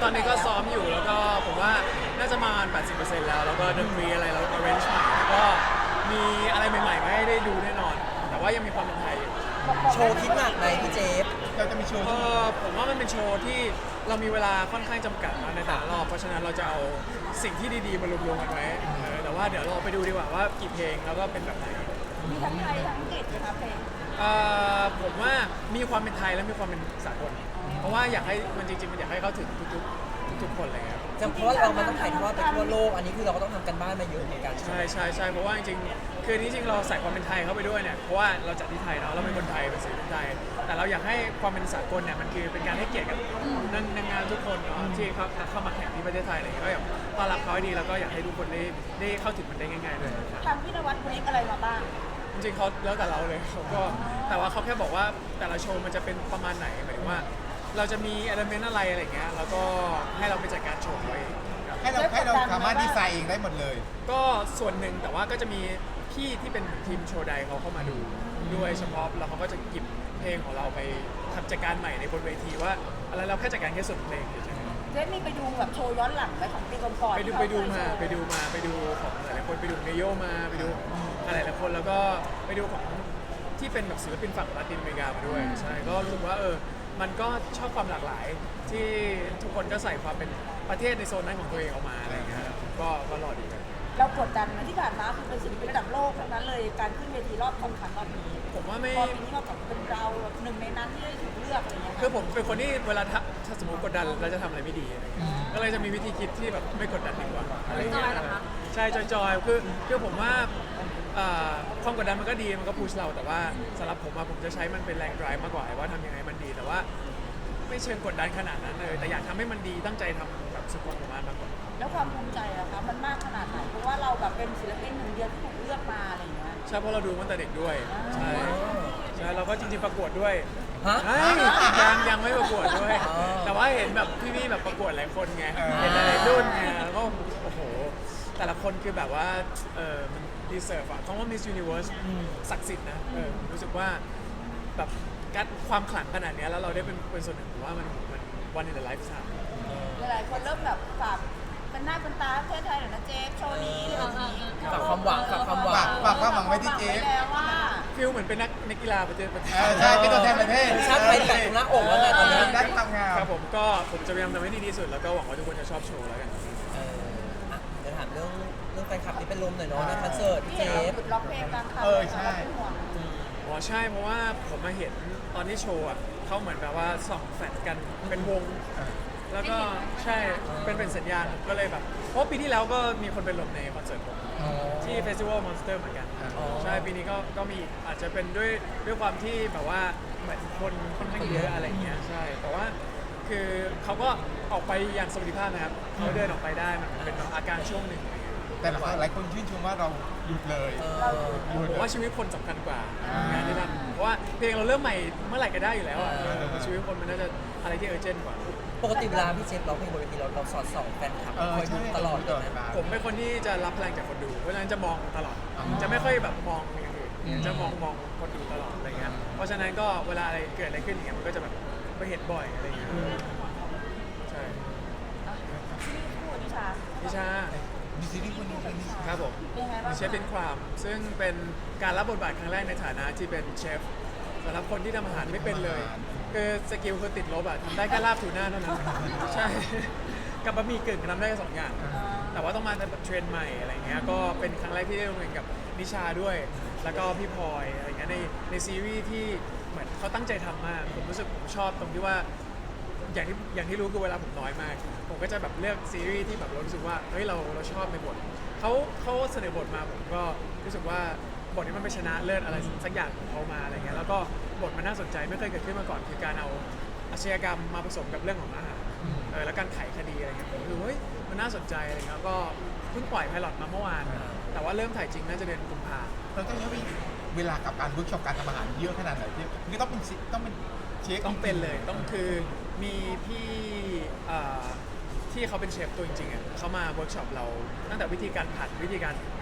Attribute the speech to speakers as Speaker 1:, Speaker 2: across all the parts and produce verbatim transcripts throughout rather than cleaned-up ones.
Speaker 1: ตอนนี้ก็ซ้อมอยู่แล้วก็ผมว่าน่าจะมาประมาณ แปดสิบเปอร์เซ็นต์ แล้วแล้วก็ดนตรีอะไรเรา arrange ใหม่แล้วก็มีอะไรใหม่ๆมาให้ได้ดูแน่นอน แต่ว่ายังมีความเป็นไทยอยู่
Speaker 2: โชว์คิดหนักไหมพี่เจฟ
Speaker 3: เราจะมีโชว์
Speaker 1: เออผมว่ามันเป็นโชว์ที่เรามีเวลาค่อนข้างจำกัดนะในแต่ละรอบเพราะฉะนั้นเราจะเอาสิ่งที่ดีๆมารวมๆกันไว้เออแต่ว่าเดี๋ยวเราไปดูดีกว่าว่ากี่เพลงแล้วก็เป็นแบบไหน
Speaker 4: มีทั้งไทยทั้งอังกฤษนะคะเพลง
Speaker 1: เอ่อผมว่ามีความเป็นไทยและมีความเป็นสากลเพราะว่าอยากให้มันจริงๆมันอยากให้เข้าถึงทุกๆทุกๆคนเลยครับ
Speaker 2: จะเพราะว่าเรามันต้องถ่ายทอดไปทั่วโลกอันนี้คือเราก็ต้องทำกันบ้านมาเยอะเหมือนกัน
Speaker 1: ใช่ใช่ใช่เพราะว่าจริงๆคือที่จริงเราใส่ความเป็นไทยเข้าไปด้วยเนี่ยเพราะว่าเราจัดที่ไทยเนาะเราเป็นคนไทยเป็นศิลปินไทยแต่เราอยากให้ความเป็นสากลเนี่ยมันคือเป็นการให้เกียรติกับนางนางงานทุกคนเนาะที่เขาเข้ามาแข่งที่ประเทศไทยอะไรอย่างเงี้ยก็อยากต้อนรับเขาให้ดีแล้วก็อยากให้ทุกคนได้ได้เข้าถึงมันได้ง่ายๆด้วยครับ
Speaker 4: ทางพี่นวัดบริกอะไรมาบ้าง
Speaker 1: จริงๆเขาแล้วแต่เราเลยเขาก็แต่ว่าเขาแค่บอกว่าแต่ละโชว์มันจะเป็นประมาณไหนหมายถึงว่า เราจะมีเอลเมนต์อะไรอะไรเงี้ยแล้วก็ให้เราไปจัดการโชว์ไว้ครับ
Speaker 3: ให้เราให้เราสามารถดีไซน์เองได้หมดเลย
Speaker 1: ก็ส่วนหนึ่งแต่ว่าก็จะมีพี่ที่เป็นทีมโชว์ใดเขาเข้ามาดูด้วยเฉพาะแล้วเขาก็จะหยิบเพลงของเราไปทำจัดการใหม่ในบนเวทีว่าอะไรเราแค่จัดการแค่ส่วนเพลงเฉยๆ
Speaker 4: เจ๊มีไปดูแบบโชว์ย้อนหลังไหมของปีก่อนๆ
Speaker 1: ไปดู
Speaker 4: ที่เข
Speaker 1: ไปดู
Speaker 4: เคย
Speaker 1: มา
Speaker 4: โชว์
Speaker 1: ไปดูมาไปดูของหลายๆคนไปดูเนโยมาไปดูอะไรหลายคนแล้วก็ไปดูของที่เป็นแบบศิลปินฝั่งลาตินอเมริกามาด้วยใช่ก็รู้สึกว่าเออมันก็ชอบความหลากหลายที่ทุกคนก็ใส่ความเป็นประเทศในโซนนั้นของตัวเองออกมาอะไรอย่างเงี้ยครับก็ก็รอดีกัน
Speaker 4: เรากดดันนะที่ผ่านมาคือเป็นศิลปินระดับโลกทั้งนั้นเลยการขึ้นเวทีรอบสำคัญรอบนี้
Speaker 1: ผมว่าไม่
Speaker 4: พอปีนี้มาแบบเป็นเราหนึ่งในนั้นที่ได้ถูกเลือกอะไรเงี้ย
Speaker 1: คือผมเป็นคนที่เวลาถ้าถ้าสมมติกดดันเราจะทำอะไรไม่ดีอะไรเงี้ยก็เลยจะมีวิธีคิดที่แบบไม่กดดันดีกว่าอะไรอย่างเงี้ยใช่จอยๆคือคือผมว่าเอ่อความกดดันมันก็ดีมันก็พุชเราแต่ว่าสำหรับผมอะผมจะใช้มันเป็นแรง drive มากกว่าว่าทำยังไงมันดีแต่ว่าไม่เชิงกดดันขนาดนั้นเลยแต่อยากทำให้มันดีตั้งใจทำแบบสุดความสามารถมากกว่า
Speaker 4: แล้วความภูมิใจอะคะมันมากขนาดไหนเพราะว่าเราแบบเป็นศิลปินหนึ่งเดียวที่ถูกเลือกมาอะไรอย่างเงี้ย
Speaker 1: ใช่เพราะเราดูมาตั้งแต่เด็กด้วยใช่ใช่เราก็จริงๆประกวดด้วย
Speaker 2: ฮะ
Speaker 1: เฮ้ยยังยังไม่ประกวดด้วย
Speaker 2: อ๋อ
Speaker 1: แต่ว่าเห็นแบบพี่ๆแบบประกวดหลายคนไง
Speaker 3: เออ
Speaker 1: เห็นหลายๆรุ่นไงแล้วก็โอ้โหแต่ละคนคือแบบว่าเออมันดีเซิร์ฟอะคำว่า Miss Universe ศักดิ์สิทธิ์นะเออรู้สึกว่าแบบการความขลังขนาดเนี้ยแล้วเราได้เป็นเป็นส่วนหนึ่งผมว่ามันมันวันในไลฟ์สไตล์
Speaker 4: หลายๆคนเริ่มแบบฝากเป็นหน้าเป็นตาประเทศไทยหน่อยนะเจ๊โชว์นี้อะไรแบบนี้
Speaker 2: ฝากความหวังฝากความหวั
Speaker 3: ฝาง กฝากความหวังไว้ที่เจฟ
Speaker 4: ฝากความหวังไว้แล้วว่า
Speaker 1: ฟิลเหมือนเป็นนักนักกีฬาประเทศประเทศ
Speaker 3: เออใช่เป็นตัวแทนประเทศ
Speaker 2: ชาติไทยแตะตรงหน้าอกแล้วไงตอนนี้
Speaker 3: ด้านความงาม
Speaker 1: ครับผมก็ผมจะพยายามทำให้ดีที่สุดแล้วก็หวังว่าทุกคนจะชอบโชว์แล้วกัน
Speaker 2: เอออ่ะเดี๋ยวถามเรื่องเรื่องแฟนคลับที่เป็นลมหน่อยเนาะในคอนเสิร์ต
Speaker 4: ที่
Speaker 2: เจ
Speaker 4: เห็นเรา
Speaker 2: ฟ
Speaker 4: หยุดร้องเพลงกลางคัน
Speaker 3: เออใช่
Speaker 4: เราเป็นห่วง
Speaker 1: อ๋อใช่เพราะว่าผมมาเห็นตอนที่โชว์อ่ะเขาเหมือนแบบว่าส่องแฟลชกันเป็นวง แล้วก็ใช่เป็นเป็นสัญญาณผมก็เลยแบบเพราะปีที่แล้วก็มีคนเป็นลมในคอนเสิร์ตผมที่เฟสติวัลมอนสเตอร์เหมือนกัน
Speaker 2: อ๋อ
Speaker 1: ใช่ปีนี้ก็ก็มีอาจจะเป็นด้วยด้วยความที่แบบว่าเหมือนคนค่อนข้างเยอะอะไรเงี้ยใช่แต่ว่าคือเขาก็ออกไปอย่างสวัสดิภาพนะครับเขาเดินออกไปได้มันเป็นแบบอาการช่วงหนึ่งอะไรเงี้ย
Speaker 3: แต่หลายคนชื่นชมว่าเราหยุดเลย
Speaker 2: เออ
Speaker 3: หยุด
Speaker 1: ผมว่าชีวิตคนสำคัญกว่างานที่ทำเพราะว่าเพลงเราเริ่มใหม่เมื่อไหร่ก็ได้อยู่แล้วอ่ะ
Speaker 2: เออ
Speaker 1: ชีวิตคนมันน่าจะอะไรที่เออร์เจนต์กว่า
Speaker 2: ปกติเวลาพี่เจฟร้องเพลงบนเวทีเราเราสอดส่องแฟนคลับ
Speaker 3: เออ
Speaker 2: คอยดู
Speaker 3: ใช่
Speaker 2: ตลอดเลยนะ
Speaker 1: ผมเป็นคนที่จะรับพลังจากคนดู เพราะฉะนั้นจะมองตลอด
Speaker 3: อ๋อ
Speaker 1: จะไม่ค่อยแบบมองอย่างอื่น
Speaker 2: อืม
Speaker 1: จะมองมองคนดูตลอดอะไรเงี้ย เพราะฉะนั้นก็เวลาอะไรเกิดอะไรขึ้นอย่างเงี้ยมันก็จะแบบไปเห็นบ่อยอะไรเงี้ย ใช่
Speaker 4: ที่คู่นิชา
Speaker 1: นิชา
Speaker 3: มีซีรีส์คนนี้คนนี้
Speaker 1: ครับผม
Speaker 4: เป็นไงบ้าง
Speaker 1: เชฟเป็นความซึ่งเป็นการรับบทบาทครั้งแรกในฐานะที่เป็นเชฟสำหรับคนที่ทำอาหารไม่เป็นเลย คือสกิลคือติดลบอะทำได้แค่ลาบทูน่าเท่านั้น ใช่ กับบะหมี่กึ่งทำได้แค่สองอย่าง แต่ว่าต้องมาแบบเทรนใหม่อะไรเงี้ย ก็เป็นครั้งแรกที่ได้ร่วมงานกับนิชาด้วย แล้วก็พี่พลอยอะไรเงี้ยในในซีรีส์ที่เหมือนเขาตั้งใจทำมาก ผมรู้สึกผมชอบตรงที่ว่าอย่างที่อย่างที่รู้คือเวลาผมน้อยมาก ผมก็จะแบบเลือกซีรีส์ที่แบบเรารู้สึกว่าเฮ้ยเราเราชอบในบทเขาเขาเสนอบทมาผมก็รู้สึกว่าบทนี้มันไปชนะเลิศอะไรสักอย่างของเขามาอะไรเงี้ย แล้วก็บทมันน่าสนใจไม่เคยเกิดขึ้นมาก่อนคือการเอาอาชญากรรมมาผสมกับเรื่องของอาหาร เออแล้วการไขคดีอะไรเงี้ยผมรู้เฮ้ยมันน่าสนใจอะไรเงี้ยก็เพิ่งปล่อยไพลอตมาเมื่อวาน แต่ว่าเริ่มถ่ายจริงน่าจะเดือนกุมภา
Speaker 3: เราต้องใช้เวลากับการเวิร์กช็อปการทำอาหารเยอะขนาดไหนพี่คือต้องเป็นชิต้องเป็นเชฟ
Speaker 1: ต้องเป็นเลยต้องคือมีพี่เอ่อที่เขาเป็นเชฟตัวจริงๆอ่ะเขามาเวิร์กช็อปเราตั้งแต่วิธีการผัดวิธีการ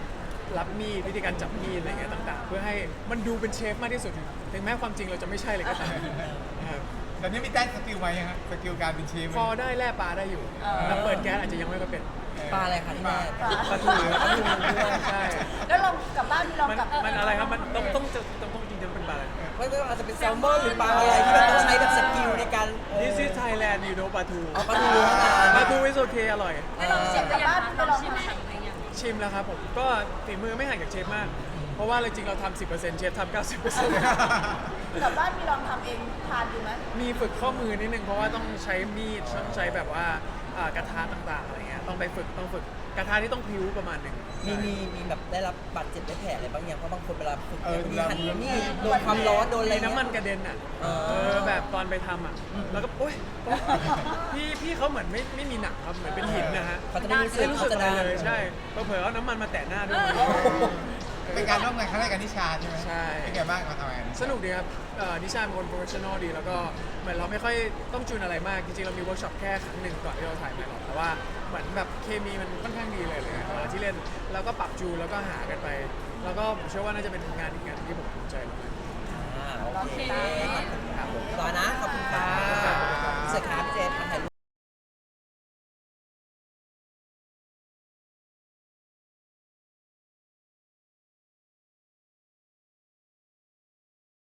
Speaker 1: รับมีดวิธีการจับมีดอะไรเงี้ยต่างๆ เพื่อให้มันดูเป็นเชฟมากที่สุดถึงแม้ความจริงเราจะไม่ใช่เลยก็ตามนะครับ
Speaker 3: ตอนนี้มีได้สกิลไหมฮะสกิลการเป็นเชฟไหม
Speaker 1: พอได้แล่ปลาได้อยู่แต่เปิดแก๊สอาจจะยังไม่ค่อยเป็น
Speaker 2: ปลาอะไรคะที่แม่
Speaker 1: ปลาทูปลาทูด้วยใช่
Speaker 4: แล้วลองกลับบ้านมีลอง
Speaker 1: มัน
Speaker 4: กลับ
Speaker 1: มันอะไรครับมันต้องต้องจะต้องต้องจริงๆเป็นปลาอะไร
Speaker 2: ไม่ไม่ว่าอาจจะเป็นแซลมอนหรือปลาอะไรที่มันต้องใช้แบบสกิลในการเออ
Speaker 1: This is Thailand you know ปลาทู
Speaker 2: อ๋อปลาทูเท่านั้น
Speaker 1: ปลาทู is okay อร่อย
Speaker 4: ไม่ลองเสียบกลับบ้านไปลองทำ
Speaker 1: ชิมแล้วครับผมก็ฝีมือไม่ห่างจากเชฟมาก เพราะว่าจริงๆเราทำสิบเปอร์เซ็นต์เชฟทำเก้าสิบเปอร์เซ็นต์
Speaker 4: กลับบ้านมีลองทำเองทานดูไหม
Speaker 1: มีฝึกข้อมือนิดนึงเพราะว่าต้องใช้มีดต้องใช้แบบว่าอ่ากระทะต่างๆอะไรเงี้ยต้องไปฝึกต้องฝึกกระทะที่ต้องพริ้วประมาณหนึ่ง
Speaker 2: มีมีมีแบบได้รับบาดเจ็บได้แผลอะไรบางอย่างเพราะบางคนเวลาฝึก
Speaker 3: เออ
Speaker 2: มี
Speaker 3: เวลา
Speaker 2: หันนี่โดนความร้อนโดนอะไร
Speaker 1: มี
Speaker 2: เงี้ย
Speaker 1: น้ำมันกระเด็นอ่ะ
Speaker 2: เออ
Speaker 1: เออแบบตอนไปทำอ่ะแล้วก็โอ๊ยโอ๊ยพี่พี่เขาเหมือนไม่ไม่มีหนังครับเหมือนเป็นหินนะฮะ
Speaker 2: เขาจะไม่รู้สึก
Speaker 1: ไม่รู้สึก
Speaker 2: เขาจะ
Speaker 1: อะไร
Speaker 2: ได้
Speaker 1: เลยใช่เผลอๆเอาน้ำมันมาแตะหน้าด้วย
Speaker 3: เป็นการร่วมงานครั้งแรกกับนิชาใช่ไหม
Speaker 1: ใช่
Speaker 3: เป็นไงบ้างมาทำงาน
Speaker 1: สนุกดีครับเอ่อนิชาเป็นคนโปรเฟชชั่นอลดี แล้วก็เหมือนเราไม่ค่อยต้องจูนอะไรมาก จริงๆ เรามีเวิร์กช็อปแค่ครั้งหนึ่งก่อนที่เราถ่ายไปหรอกแต่ว่าเหมือนแบบเคมีมันค่อนข้างดีเลยเลยเวลาที่เล่นแล้วก็ปรับจูนแล้วก็หากันไป แล้วก็ผมเชื่อว่าน่าจะเป็นงานอีกงานที่ผมภูมิใจมาก
Speaker 2: อ่าโอเค
Speaker 1: ครับผม
Speaker 2: ต่อนะขอบคุณครับ
Speaker 1: ครับ
Speaker 2: เสือขาพี่เจน